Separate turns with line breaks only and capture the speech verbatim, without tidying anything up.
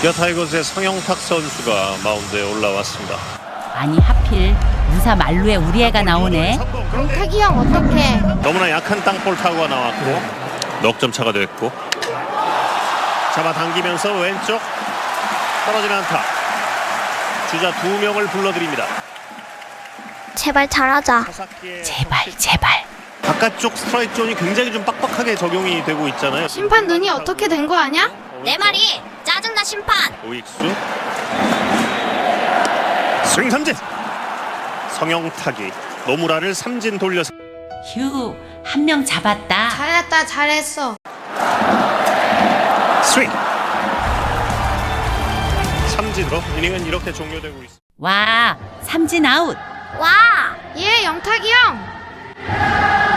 기아 타이거즈의 성영탁 선수가 마운드에 올라왔습니다.
아니 하필 무사 만루에 우리 애가 나오네.
영탁이 형 어떡해.
너무나 약한 땅볼 타구가 나왔고 넉 점 차가 됐고 잡아당기면서 왼쪽 떨어지는 안타. 주자 두 명을 불러드립니다.
제발 잘하자.
제발 제발.
바깥쪽 스트라이크 존이 굉장히 좀 빡빡하게 적용이 되고 있잖아요.
심판 눈이 어떻게 된 거 아냐?
내 말이 짜증나 심판.
오익수 스윙 삼진. 성영탁이 노무라를 삼진 돌려서
휴, 한 명 잡았다.
잘했다 잘했어.
스윙. 삼진으로 이닝은 이렇게 종료되고 있습니다.
와, 삼진 아웃.
와.
예 영탁이 형.